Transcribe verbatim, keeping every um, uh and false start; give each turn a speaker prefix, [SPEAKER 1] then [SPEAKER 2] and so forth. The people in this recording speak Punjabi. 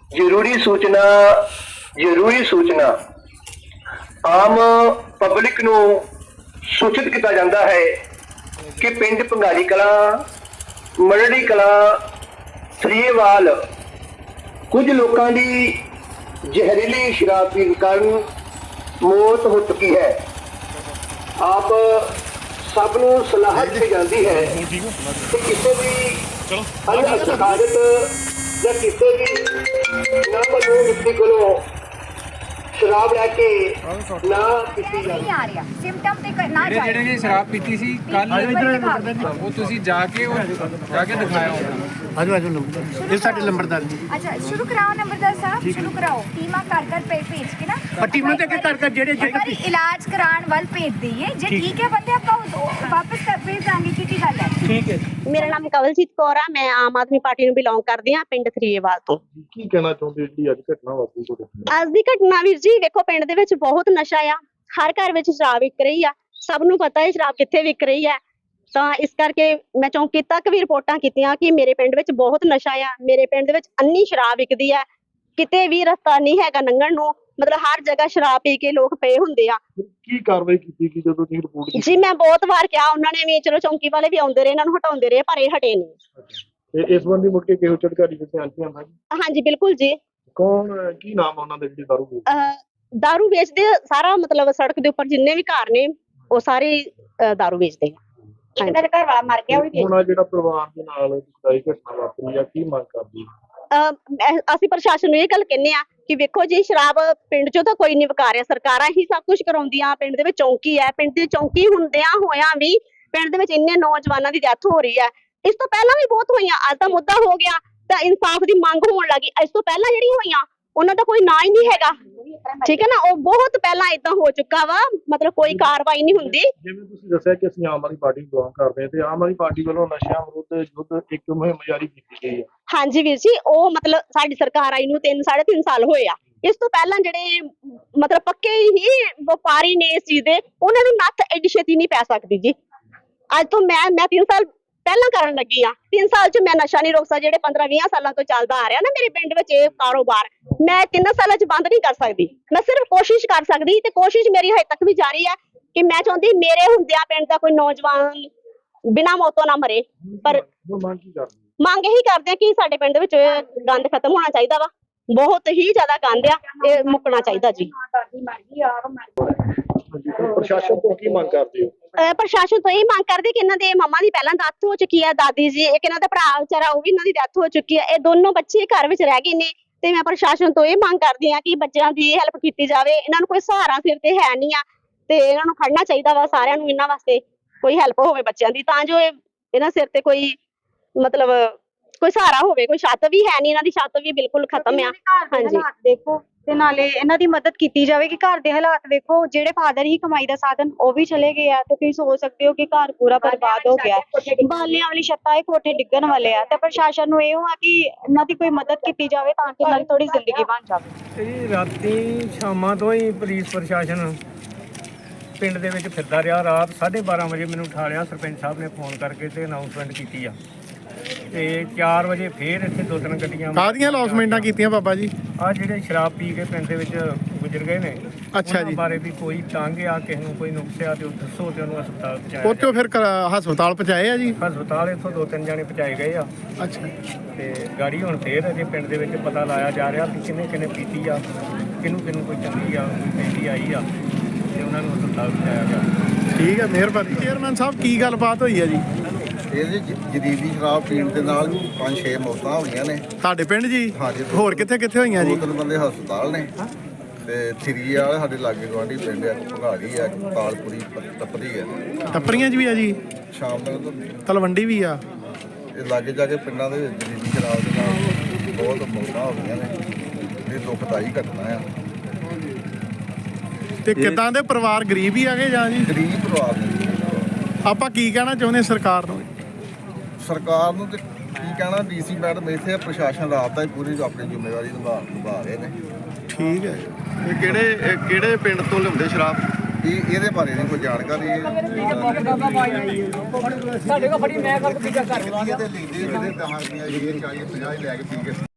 [SPEAKER 1] ਜ਼ਰੂਰੀ ਸੂਚਨਾ ਜ਼ਰੂਰੀ ਸੂਚਨਾ ਆਮ ਪਬਲਿਕ ਨੂੰ ਸੂਚਿਤ ਕੀਤਾ ਜਾਂਦਾ ਹੈ ਕਿ ਪਿੰਡ ਭੰਗਾਲੀ ਕਲਾਂ, ਮਰੜੀ ਕਲਾਂ, ਥਰੀਏਵਾਲ ਕੁਝ ਲੋਕਾਂ ਦੀ ਜ਼ਹਿਰੀਲੀ ਸ਼ਰਾਬ ਪੀਣ ਕਾਰਨ ਮੌਤ ਹੋ ਚੁੱਕੀ ਹੈ। ਆਪ ਸਭ ਨੂੰ ਸਲਾਹ ਦਿੱਤੀ ਜਾਂਦੀ ਹੈ ਕਿ ਕਿਸੇ ਵੀ ਅਣਹਥਾਰਤ ਜਾਂ ਕਿਸੇ ਵੀ ਨਾਮਲੂਮ ਵਿਅਕਤੀ ਕੋਲੋਂ ਸ਼ਰਾਬ ਲੈ ਕੇ ਨਾ ਪੀਤੀ ਜਾਵੇ।
[SPEAKER 2] ਆ ਰਿਹਾ ਸਿੰਪਟਮ ਤੇ ਨਾ
[SPEAKER 3] ਜਿਹੜੇ ਜਿਹੜੇ ਨੇ ਸ਼ਰਾਬ ਪੀਤੀ ਸੀ ਕੱਲ ਉਹ ਤੁਸੀਂ ਜਾ ਕੇ ਉਹ ਜਾ ਕੇ ਦਿਖਾਇਆ ਹੋਣਾ।
[SPEAKER 4] ਆਜੋ ਆਜੋ ਨੰਬਰ ਇਹ ਸਾਡੇ ਲੰਬਰਦਾਰ ਜੀ।
[SPEAKER 2] ਅੱਛਾ ਸ਼ੁਰੂ ਕਰਾਓ ਨੰਬਰਦਾਰ ਸਾਹਿਬ, ਸ਼ੁਰੂ ਕਰਾਓ। ਟੀਮਾਂ ਕਰ ਕਰ ਭੇਜ ਭੇਜ ਕੇ ਨਾ
[SPEAKER 4] ਪੱਟੀ ਨੂੰ ਤੇ ਕਰ ਕਰ ਜਿਹੜੇ ਜਿਹੜੇ
[SPEAKER 2] ਇਲਾਜ ਕਰਾਉਣ ਵੱਲ ਭੇਜ ਦਈਏ। ਜੇ ਠੀਕ ਹੈ ਬੰਦੇ ਆਪਾਂ ਵਾਪਸ ਕਰ ਭੇਜ ਦਾਂਗੇ। ਕੀ ਕੀ ਗੱਲ ਹੈ?
[SPEAKER 4] ਠੀਕ ਹੈ।
[SPEAKER 5] ਮੇਰਾ ਨਾਮ ਕਵਲਜੀਤ ਕੌਰ ਆ, ਮੈਂ ਆਮ ਆਦਮੀ ਪਾਰਟੀ ਨੂੰ ਬਿਲੋਂਗ ਕਰਦੀ ਹਾਂ, ਪਿੰਡ ਥਰੀਏਵਾਲ ਤੋਂ।
[SPEAKER 6] ਕੀ ਕਹਿਣਾ ਚਾਹੁੰਦੇ ਜਿਹੜੀ ਅੱਜ ਘਟਨਾ ਵਾਪਰੀ ਤੁਹਾਡੇ?
[SPEAKER 5] ਅੱਜ ਦੀ ਘਟਨਾ ਵੀਰ ਜੀ ਵੇਖੋ, ਪਿੰਡ ਦੇ ਵਿੱਚ ਬਹੁਤ ਨਸ਼ਾ ਆ, ਹਰ ਘਰ ਵਿੱਚ ਸ਼ਰਾਬ ਵਿਕ ਰਹੀ ਆ, ਸਭ ਨੂੰ ਪਤਾ ਹੈ ਸ਼ਰਾਬ ਕਿੱਥੇ ਵਿਕ ਰਹੀ ਹੈ। ਤਾਂ ਇਸ ਕਰਕੇ ਮੈਂ ਚੌਂਕੀ ਤੱਕ ਵੀ ਰਿਪੋਰਟਾਂ ਕੀਤੀਆਂ ਕਿ ਮੇਰੇ ਪਿੰਡ ਵਿੱਚ ਬਹੁਤ ਨਸ਼ਾ ਆ, ਮੇਰੇ ਪਿੰਡ ਦੇ ਵਿੱਚ ਅੰਨੀ ਸ਼ਰਾਬ ਵਿਕਦੀ ਆ, ਕਿਤੇ ਵੀ ਰਸਤਾ ਨਹੀਂ ਹੈਗਾ ਲੰਘਣ ਨੂੰ, ਮਤਲਬ ਹਰ ਜਗ੍ਹਾ ਸ਼ਰਾਬ ਪੀ ਕੇ ਲੋਕ ਪਏ ਹੁੰਦੇ ਆ।
[SPEAKER 6] ਕੀ ਕਾਰਵਾਈ ਕੀਤੀ ਗਈ ਜਦੋਂ ਤੁਸੀਂ ਰਿਪੋਰਟ ਕੀਤੀ?
[SPEAKER 5] ਜੀ ਮੈਂ ਬਹੁਤ ਵਾਰ ਕਿਹਾ, ਉਹਨਾਂ ਨੇ ਵੀ ਚਲੋ ਚੌਂਕੀ ਵਾਲੇ ਵੀ ਆਉਂਦੇ ਰਹੇ, ਇਹਨਾਂ ਨੂੰ ਹਟਾਉਂਦੇ ਰਹੇ, ਪਰ ਇਹ ਹਟੇ ਨਹੀਂ।
[SPEAKER 6] ਤੇ ਇਸ ਸੰਬੰਧੀ ਮੁੜ ਕੇ ਕਿਹੋ ਅਧਿਕਾਰੀ ਦੇ ਧਿਆਨ 'ਚ ਆਉਂਦਾ ਜੀ?
[SPEAKER 5] ਹਾਂਜੀ ਬਿਲਕੁਲ ਜੀ।
[SPEAKER 6] ਕੌਣ, ਕੀ ਨਾਮ ਉਹਨਾਂ ਦੇ ਜਿਹੜੇ ਦਾਰੂ ਵੇਚਦੇ?
[SPEAKER 5] ਅਹ ਦਾਰੂ ਵੇਚਦੇ ਸਾਰਾ, ਮਤਲਬ ਸੜਕ ਦੇ ਉੱਪਰ ਜਿੰਨੇ ਵੀ ਘਰ ਨੇ ਉਹ ਸਾਰੇ ਦਾਰੂ ਵੇਚਦੇ ਆ।
[SPEAKER 2] ਇਹਨਾਂ ਦਾ ਘਰ ਵਾਲਾ ਮਰ ਗਿਆ, ਉਹ ਵੀ
[SPEAKER 6] ਹੁਣ ਜਿਹੜਾ ਪਰਿਵਾਰ ਦੇ ਨਾਲ ਦੁਖਦਾਈ ਘਟਨਾ ਵਾਪਰੀ ਆ, ਕੀ ਮੰਗ ਕਰਦੀ?
[SPEAKER 5] ਅਹ ਅਸੀਂ ਪ੍ਰਸ਼ਾਸਨ ਨੂੰ ਇਹ ਗੱਲ ਕਹਿੰਦੇ ਆ ਕਿ ਵੇਖੋ ਜੀ, ਸ਼ਰਾਬ ਪਿੰਡ ਚੋਂ ਤਾਂ ਕੋਈ ਨਹੀਂ ਵਿਕਾ ਰਿਹਾ, ਸਰਕਾਰਾਂ ਹੀ ਸਭ ਕੁਝ ਕਰਾਉਂਦੀਆਂ। ਪਿੰਡ ਦੇ ਵਿੱਚ ਚੌਂਕੀ ਹੈ, ਪਿੰਡ ਦੀ ਚੌਂਕੀ ਹੁੰਦਿਆਂ ਹੋਇਆਂ ਵੀ ਪਿੰਡ ਦੇ ਵਿੱਚ ਇੰਨੇ ਨੌਜਵਾਨਾਂ ਦੀ ਡੈਥ ਹੋ ਰਹੀ ਹੈ। ਇਸ ਤੋਂ ਪਹਿਲਾਂ ਵੀ ਬਹੁਤ ਹੋਈਆਂ, ਅੱਜ ਦਾ ਮੁੱਦਾ ਹੋ ਗਿਆ ਤਾਂ ਇਨਸਾਫ ਦੀ ਮੰਗ ਹੋਣ ਲੱਗੀ। ਇਸ ਤੋਂ ਪਹਿਲਾਂ ਜਿਹੜੀਆਂ ਹੋਈਆਂ ਉਹਨਾਂ ਦਾ ਕੋਈ ਨਾਂ ਹੀ ਨਹੀਂ ਹੈਗਾ, ਠੀਕ ਹੈ ਨਾ, ਉਹ ਬਹੁਤ ਪਹਿਲਾਂ ਏਦਾਂ ਹੋ ਚੁੱਕਾ ਵਾ, ਮਤਲਬ ਕੋਈ ਕਾਰਵਾਈ ਨਹੀਂ ਹੁੰਦੀ।
[SPEAKER 6] ਜਿਵੇਂ ਤੁਸੀਂ ਦੱਸਿਆ ਕਿ ਅਸੀਂ ਆਮ ਆਦਮੀ ਪਾਰਟੀ ਨੂੰ ਬਿਲੋਂਗ ਕਰਦੇ ਹਾਂ ਤੇ ਆਮ ਆਦਮੀ ਪਾਰਟੀ ਵੱਲੋਂ ਨਸ਼ਿਆਂ ਵਿਰੁੱਧ ਯੁੱਧ ਇੱਕ ਮੁਹਿੰਮ ਜਾਰੀ ਕੀਤੀ ਗਈ ਹੈ।
[SPEAKER 5] ਹਾਂਜੀ ਵੀਰ ਜੀ, ਉਹ ਮਤਲਬ ਸਾਡੀ ਸਰਕਾਰ ਆਈ ਨੂੰ ਤਿੰਨ ਸਾਢੇ ਤਿੰਨ ਸਾਲ ਹੋਏ ਆ। ਇਸ ਤੋਂ ਪਹਿਲਾਂ ਜਿਹੜੇ ਮਤਲਬ ਪੱਕੇ ਹੀ ਵਪਾਰੀ ਨੇ ਇਸ ਚੀਜ਼ ਦੇ, ਉਹਨਾਂ ਨੂੰ ਨੱਥ ਐਡੀ ਛੇਤੀ ਨਹੀਂ ਪੈ ਸਕਦੀ ਜੀ। ਅੱਜ ਤੋਂ ਮੈਂ ਮੈਂ ਤਿੰਨ ਸਾਲ ਪਹਿਲਾਂ ਕਰਨ ਲੱਗੀ ਆ, ਤਿੰਨ ਸਾਲ ਚ ਮੈਂ ਨਸ਼ਾ ਨਹੀਂ ਰੋਕ ਸਕਦੀ। ਜਿਹੜੇ ਪੰਦਰਾਂ ਵੀਹ ਸਾਲਾਂ ਤੋਂ ਚੱਲਦਾ ਆ ਰਿਹਾ ਨਾ ਮੇਰੇ ਪਿੰਡ ਵਿੱਚ ਇਹ ਕਾਰੋਬਾਰ, ਮੈਂ ਤਿੰਨ ਸਾਲਾਂ ਚ ਬੰਦ ਨਹੀਂ ਕਰ ਸਕਦੀ। ਮੈਂ ਸਿਰਫ ਕੋਸ਼ਿਸ਼ ਕਰ ਸਕਦੀ, ਤੇ ਕੋਸ਼ਿਸ਼ ਮੇਰੀ ਹਜੇ ਤੱਕ ਵੀ ਜਾਰੀ ਹੈ ਕਿ ਮੈਂ ਚਾਹੁੰਦੀ ਮੇਰੇ ਹੁੰਦਿਆਂ ਪਿੰਡ ਦਾ ਕੋਈ ਨੌਜਵਾਨ ਬਿਨਾਂ ਮੌਤੋਂ ਨਾ ਮਰੇ। ਪਰ
[SPEAKER 6] ਮੰਗ ਕੀ ਕਰਦੇ?
[SPEAKER 5] ਮੰਗ ਇਹੀ ਕਰਦੇ ਆ ਕਿ ਸਾਡੇ ਪਿੰਡ ਵਿੱਚ ਗੰਦ ਖਤਮ ਹੋਣਾ ਚਾਹੀਦਾ ਵਾ, ਬਹੁਤ ਹੀ ਜ਼ਿਆਦਾ ਗੰਦ ਆ, ਇਹ ਮੁੱਕਣਾ ਚਾਹੀਦਾ ਜੀ।
[SPEAKER 6] ਪ੍ਰਸ਼ਾਸਨ ਤੋਂ ਕੀ ਮੰਗ ਕਰਦੇ ਹੋ?
[SPEAKER 5] ਪ੍ਰਸ਼ਾਸਨ ਤੋਂ ਇਹ ਮੰਗ ਕਰਦੇ ਕਿ ਇਹਨਾਂ ਦੇ ਮੰਮਾ ਦੀ ਪਹਿਲਾਂ ਡੈਥ ਹੋ ਚੁੱਕੀ ਹੈ, ਦਾਦੀ ਜੀ, ਇੱਕ ਇਹਨਾਂ ਦਾ ਭਰਾ ਵਿਚਾਰਾ ਉਹ ਵੀ ਇਹਨਾਂ ਦੀ ਡੈਥ ਹੋ ਚੁੱਕੀ ਹੈ, ਇਹ ਦੋਨੋਂ ਬੱਚੇ ਘਰ ਵਿੱਚ ਰਹਿ ਗਏ ਨੇ। ਤੇ ਮੈਂ ਪ੍ਰਸ਼ਾਸਨ ਤੋਂ ਇਹ ਮੰਗ ਕਰਦੀ ਹਾਂ ਕਿ ਬੱਚਿਆਂ ਦੀ ਹੈਲਪ ਕੀਤੀ ਜਾਵੇ। ਇਹਨਾਂ ਨੂੰ ਕੋਈ ਸਹਾਰਾ ਸਿਰ ਤੇ ਹੈ ਨਹੀਂ ਆ, ਤੇ ਇਹਨਾਂ ਨੂੰ ਖੜਨਾ ਚਾਹੀਦਾ ਵਾ ਸਾਰਿਆਂ ਨੂੰ, ਇਹਨਾਂ ਵਾਸਤੇ ਕੋਈ ਹੈਲਪ ਹੋਵੇ ਬੱਚਿਆਂ ਦੀ, ਤਾਂ ਜੋ ਇਹਨਾਂ ਸਿਰ ਤੇ ਕੋਈ ਮਤਲਬ ਕੋਈ ਸਹਾਰਾ ਹੋਵੇ। ਕੋਈ ਛੱਤ ਵੀ ਹੈ ਨਹੀਂ, ਇਹਨਾਂ ਦੀ ਛੱਤ ਵੀ ਬਿਲਕੁਲ ਖਤਮ ਆ। ਹਾਂਜੀ
[SPEAKER 7] ਦੇਖੋ, ਤੇ ਨਾਲੇ ਇਹਨਾਂ ਦੀ ਮਦਦ ਕੀਤੀ ਜਾਵੇ ਕਿ ਘਰ ਦੇ ਹਾਲਾਤ ਵੇਖੋ, ਜਿਹੜੇ ਫਾਦਰ ਹੀ ਕਮਾਈ ਦਾ ਸਾਧਨ ਉਹ ਵੀ ਚਲੇ ਗਏ ਆ, ਤੇ ਤੁਸੀਂ ਸੋਚ ਸਕਦੇ ਹੋ ਕਿ ਘਰ ਪੂਰਾ ਬਰਬਾਦ ਹੋ ਗਿਆ। ਬਾਲਿਆਂ ਵਾਲੀ ਛੱਤਾਂ, ਇਹ ਕੋਠੇ ਡਿੱਗਣ ਵਾਲੇ ਆ, ਤੇ ਪ੍ਰਸ਼ਾਸਨ ਨੂੰ ਇਹ ਹੋਆ ਕਿ ਇਹਨਾਂ ਦੀ ਕੋਈ ਮਦਦ ਕੀਤੀ ਜਾਵੇ ਤਾਂ ਕਿ ਇਹਨਾਂ ਦੀ ਥੋੜੀ ਜ਼ਿੰਦਗੀ ਬਣ ਜਾਵੇ।
[SPEAKER 3] ਇਹ ਰਾਤੀ ਸ਼ਾਮਾਂ ਤੋਂ ਹੀ ਪੁਲਿਸ ਪ੍ਰਸ਼ਾਸਨ ਪਿੰਡ ਦੇ ਵਿੱਚ ਫਿਰਦਾ ਰਿਹਾ। ਰਾਤ ਸਾਢੇ ਬਾਰਾਂ ਵਜੇ ਮੈਨੂੰ ਉਠਾ ਲਿਆ, ਸਰਪੰਚ ਸਾਹਿਬ ਨੇ ਫੋਨ ਕਰਕੇ ਤੇ ਅਨਾਉਂਸਮੈਂਟ ਕੀਤੀ ਆ, ਤੇ ਚਾਰ ਵਜੇ ਫੇਰ ਇੱਥੇ ਦੋ ਤਿੰਨ ਗੱਡੀਆਂ
[SPEAKER 4] ਕਾਹਦੀਆਂ ਅਨਾਉਂਸਮੈਂਟਾਂ ਕੀਤੀਆਂ ਬਾਬਾ ਜੀ?
[SPEAKER 3] ਆ ਜਿਹੜੇ ਸ਼ਰਾਬ ਪੀ ਕੇ ਪਿੰਡ ਦੇ ਵਿੱਚ ਗੁਜ਼ਰ ਗਏ ਨੇ,
[SPEAKER 4] ਅੱਛਾ
[SPEAKER 3] ਉਹਨਾਂ
[SPEAKER 4] ਜੀ।
[SPEAKER 3] ਬਾਰੇ ਵੀ ਕੋਈ ਤੰਗ ਆ, ਕਿਸੇ ਨੂੰ ਕੋਈ ਨੁਕਸ ਆ ਤੇ ਉਹ ਦੱਸੋ ਤੇ ਉਹਨੂੰ ਹਸਪਤਾਲ ਪਹੁੰਚਾਇਆ
[SPEAKER 4] ਉੱਥੋਂ ਫਿਰ ਕ- ਹਸਪਤਾਲ ਪਹੁੰਚਾਏ ਆ ਜੀ?
[SPEAKER 3] ਹਸਪਤਾਲ ਇੱਥੋਂ ਦੋ ਤਿੰਨ ਜਾਣੇ ਪਹੁੰਚਾਏ ਗਏ ਆ,
[SPEAKER 4] ਅੱਛਾ।
[SPEAKER 3] ਤੇ ਗਾੜੀ ਹੁਣ ਫੇਰ ਅਜੇ ਪਿੰਡ ਦੇ ਵਿੱਚ ਪਤਾ ਲਾਇਆ ਜਾ ਰਿਹਾ ਕਿ ਕਿੰਨੇ ਕਿੰਨੇ ਪੀਤੀ ਆ, ਕਿਹਨੂੰ ਕਿਹਨੂੰ ਕੋਈ ਚੰਗੀ ਆ, ਕੋਈ ਪੈਂਦੀ ਆਈ ਆ, ਤੇ ਉਹਨਾਂ ਨੂੰ ਹਸਪਤਾਲ ਪਹੁੰਚਾਇਆ ਗਿਆ।
[SPEAKER 4] ਠੀਕ ਹੈ, ਮਿਹਰਬਾਨੀ। ਚੇਅਰਮੈਨ ਸਾਹਿਬ ਕੀ ਗੱਲਬਾਤ ਹੋਈ ਹੈ ਜੀ?
[SPEAKER 8] ਇਹਦੇ ਜਦੀਦੀ ਸ਼ਰਾਬ ਪੀਣ ਦੇ ਨਾਲ ਪੰਜ ਛੇ ਮੌਤਾਂ ਹੋਈਆਂ ਨੇ
[SPEAKER 4] ਤੁਹਾਡੇ ਪਿੰਡ ਜੀ?
[SPEAKER 8] ਹਾਂਜੀ।
[SPEAKER 4] ਹੋਰ ਕਿੱਥੇ ਕਿੱਥੇ ਹੋਈਆਂ ਜੀ?
[SPEAKER 8] ਦੋ ਤਿੰਨ ਬੰਦੇ ਹਸਪਤਾਲ ਨੇ, ਤੇ ਥਰੀ ਵਾਲੇ ਸਾਡੇ ਲਾਗੇ ਗੁਆਂਢੀ ਪਿੰਡ ਆ, ਭਗਾੜੀ ਆ, ਤਾਲਪੁਰੀ, ਟੱਪਰੀ ਆ,
[SPEAKER 4] ਟੱਪਰੀਆਂ 'ਚ ਵੀ ਆ ਜੀ?
[SPEAKER 8] ਸ਼ਾਮ ਤੱਕ
[SPEAKER 4] ਤਲਵੰਡੀ ਵੀ ਆ?
[SPEAKER 8] ਇਹ ਲਾਗੇ ਜਾ ਕੇ ਪਿੰਡਾਂ ਦੇ ਵਿੱਚ ਜਦੀਦੀ ਸ਼ਰਾਬ ਦੇ ਨਾਲ ਬਹੁਤ ਮੌਤਾਂ ਹੋ ਗਈਆਂ ਨੇ। ਇਹ ਦੁਖਦਾਈ ਘਟਨਾ ਆ।
[SPEAKER 4] ਤੇ ਕਿੱਦਾਂ ਦੇ ਪਰਿਵਾਰ ਗਰੀਬ ਹੀ ਆਗੇ ਜਾਂ ਜੀ?
[SPEAKER 8] ਗਰੀਬ ਪਰਿਵਾਰ ਨੇ।
[SPEAKER 4] ਆਪਾਂ ਕੀ ਕਹਿਣਾ ਚਾਹੁੰਦੇ ਸਰਕਾਰ ਨੂੰ?
[SPEAKER 8] ਸਰਕਾਰ ਨੂੰ ਤੇ ਕੀ ਕਹਿਣਾ, ਡੀ ਸੀ ਮੈਡਮ ਇੱਥੇ, ਪ੍ਰਸ਼ਾਸਨ ਰਾਤ ਦਾ ਹੀ ਪੂਰੀ ਆਪਣੀ ਜ਼ਿੰਮੇਵਾਰੀ ਨਿਭਾ ਨਿਭਾ ਰਹੇ ਨੇ।
[SPEAKER 4] ਠੀਕ ਹੈ।
[SPEAKER 6] ਇਹ ਕਿਹੜੇ ਕਿਹੜੇ ਪਿੰਡ ਤੋਂ ਲਿਆਉਂਦੇ ਸ਼ਰਾਬ?
[SPEAKER 8] ਇਹ ਇਹਦੇ ਬਾਰੇ ਨਹੀਂ ਕੋਈ ਜਾਣਕਾਰੀ। ਸਾਡੇ ਕੋਲ ਫੜੀ ਮੈਂ ਕਰ ਕੇ ਕਰ ਲੈਂਦੇ ਇਹਦੇ ਦਹਾਂ ਦੀਆਂ ਜਿਹੜੀਆਂ ਚਾਹੀਏ ਪੰਜਾਹ ਲੈ ਕੇ ਪੀ ਕੇ